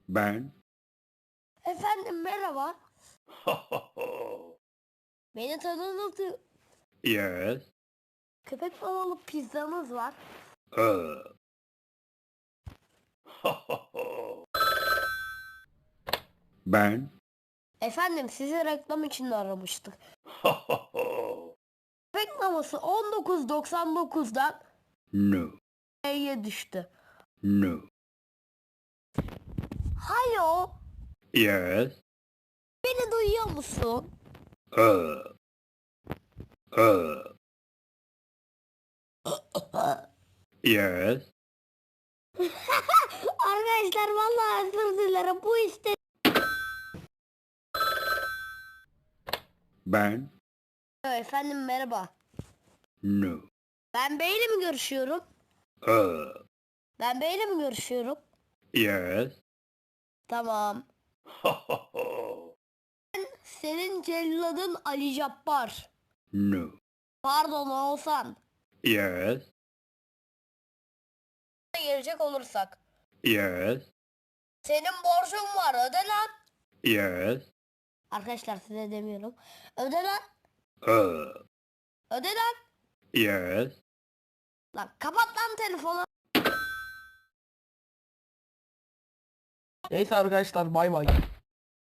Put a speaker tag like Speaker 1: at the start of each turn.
Speaker 1: Ben.
Speaker 2: Efendim merhaba. Beni tanıdınız.
Speaker 1: Yes.
Speaker 2: Köpek balığı pizzamız var.
Speaker 1: Uh. Ben.
Speaker 2: Efendim sizi reklam için aramıştık. Köpek maması 19.99'dan
Speaker 1: No.
Speaker 2: E'ye düştü.
Speaker 1: No.
Speaker 2: Alo,
Speaker 1: Yes.
Speaker 2: beni duyuyor musun?
Speaker 1: Uh. Uh. Yes.
Speaker 2: Arkadaşlar vallahi özür dilerim bu işte.
Speaker 1: Ben.
Speaker 2: Efendim merhaba.
Speaker 1: No.
Speaker 2: Ben Bey'le mi görüşüyorum?
Speaker 1: Uh.
Speaker 2: Ben Bey'le mi görüşüyorum?
Speaker 1: Yes.
Speaker 2: Tamam. Senin celladın Ali Cabbar.
Speaker 1: No.
Speaker 2: Pardon Oğuzhan.
Speaker 1: Yes.
Speaker 2: Gelecek olursak.
Speaker 1: Yes.
Speaker 2: Senin borcun var öde lan.
Speaker 1: Yes.
Speaker 2: Arkadaşlar size demiyorum. Öde lan.
Speaker 1: Uh.
Speaker 2: Öde lan.
Speaker 1: Yes.
Speaker 2: Lan kapat lan telefonu.
Speaker 3: Neyse arkadaşlar bay bay.